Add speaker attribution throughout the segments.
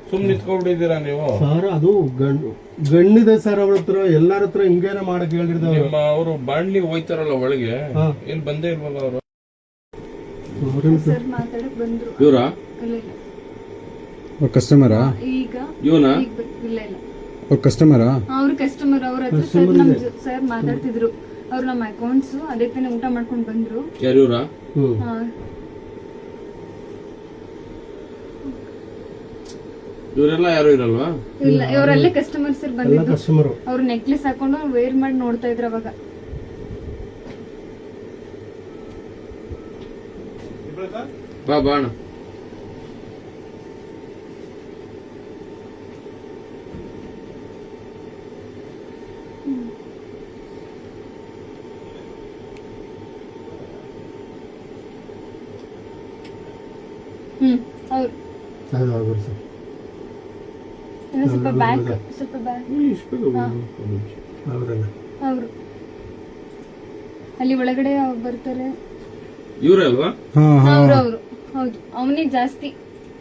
Speaker 1: ಸುಮ್ಮನೆ ನಿಂತ್ಕೊಂಡ್ಬಿಟ್ಟಿದ್ದೀರಾ ನೀವು?
Speaker 2: ಸರ್ ಅದು ಗಣ್ಣಿದೆ ಸರ್ ಅವ್ರ ಹತ್ರ, ಎಲ್ಲಾರ ಹತ್ರ ಹಿಂಗೇನೆ ಮಾಡಕ್ ಹೇಳಿರ್ತಾವ.
Speaker 1: ನಿಮ್ಮ ಅವರು ಬಾಂಡ್ಲಿ ಹೋಯ್ತಾರಲ್ಲ ಒಳಗೆ, ಏನ್ ಬಂದೇ ಇಲ್ವಲ್ಲ ಅವರು?
Speaker 3: ಸರ್ ಮಾತಾಡಕ್ ಬಂದ್ರು.
Speaker 1: ಇವ್ರಾ?
Speaker 3: ಇಲ್ಲ ಇಲ್ಲ.
Speaker 4: ಕಸ್ಟಮರಾ?
Speaker 3: ಈಗ
Speaker 1: ಇವನಾ?
Speaker 3: ಇಲ್ಲ ಇಲ್ಲ.
Speaker 4: ಕಸ್ಟಮರಾ?
Speaker 3: ಅವ್ರ ಕಸ್ಟಮರ್ ಅವ್ರ ಹತ್ರ ಸರ್ ನಮ್ ಸರ್ ಮಾತಾಡ್ತಿದ್ರು. ಅವ್ರು ನಮ್ಮ ಅಕೌಂಟ್ಸ್ ಅದೇ ತಾನೇ ಊಟ ಮಾಡ್ಕೊಂಡ್ ಬಂದ್ರು.
Speaker 1: ಯಾರು ಇವ್ರಾ?
Speaker 3: ಹಾ.
Speaker 1: ಇವರೆಲ್ಲ ಯಾರು ಇರಲ್ವಾ?
Speaker 3: ಇಲ್ಲ, ಇವರಲ್ಲೇ ಕಸ್ಟಮರ್ ಸರ್ ಬಂದಿದ್ರು.
Speaker 2: ಕಸ್ಟಮರ್
Speaker 3: ಅವ್ರು ನೆಕ್ಲೆಸ್ ಹಾಕೊಂಡು ವೇರ್ ಮಾಡಿ ನೋಡ್ತಾ ಇದ್ರು ಅವಾಗ.
Speaker 1: ಬಾ ಬಾಣ.
Speaker 3: ಅವ್ರು
Speaker 2: ಸರ್
Speaker 3: ಇನ್ನು ಸ್ವಲ್ಪ ಬ್ಯಾಕ್
Speaker 2: ಅವರಲ್ಲ
Speaker 3: ಅವರು ಅಲ್ಲಿ ಒಳಗಡೆ ಬರ್ತಾರೆ.
Speaker 1: ಇವ್ರೇ ಅಲ್ವಾ?
Speaker 3: ಅವ್ರು ಹೌದು, ಅವನೇ ಜಾಸ್ತಿ.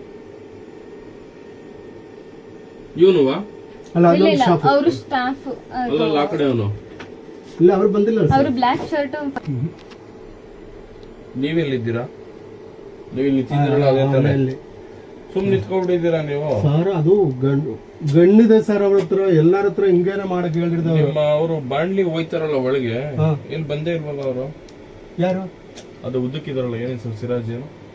Speaker 1: ಇವನುವಾ?
Speaker 2: ಅಲ್ಲ
Speaker 3: ಇಲ್ಲ
Speaker 2: ಅದೊಂದು
Speaker 3: ಇಲ್ಲ,
Speaker 2: ಶಾಪ್.
Speaker 3: ಅವರು ಸ್ಟಾಫ್.
Speaker 1: ಅಲ್ಲಲ್ಲ ಆ ಕಡೆ ಅವನು.
Speaker 2: ಇಲ್ಲ ಅವ್ರು ಬಂದಿಲ್ಲ
Speaker 3: ಅವರು ಬ್ಲಾಕ್ ಶರ್ಟ್.
Speaker 1: ನೀವೆಲ್ಲಿದ್ದೀರಾ? ನೀವು ನಿಂತಿದ್ದೀರಲ್ಲ ಅದೇ ತಾನೆ? ಸುಮ್ಮನೆ ನಿಂತ್ಕೊಂಡ್ಬಿಟ್ಟಿದ್ದೀರಾ ನೀವು?
Speaker 2: ಸರ್ ಅದು ಗಣ್ಣಿದೆ ಸರ್ ಅವ್ರ ಹತ್ರ, ಎಲ್ಲಾರ ಹತ್ರ ಹಿಂಗೇನೆ ಮಾಡಕ್ ಹೇಳಿರ್ತಾವ.
Speaker 1: ನಿಮ್ಮ ಅವರು ಬಾಂಡ್ಲಿ ಹೋಯ್ತಾರಲ್ಲ ಒಳಗೆ, ಏನ್ ಬಂದೇ ಇಲ್ವಲ್ಲ ಅವರು?
Speaker 2: ಯಾರು?
Speaker 1: ಅದು ಉದ್ದಕ್ಕಿದಾರಲ್ಲ, ಏನ್ ಹೆಸರು? ಸಿರಾಜ್ ಏನು?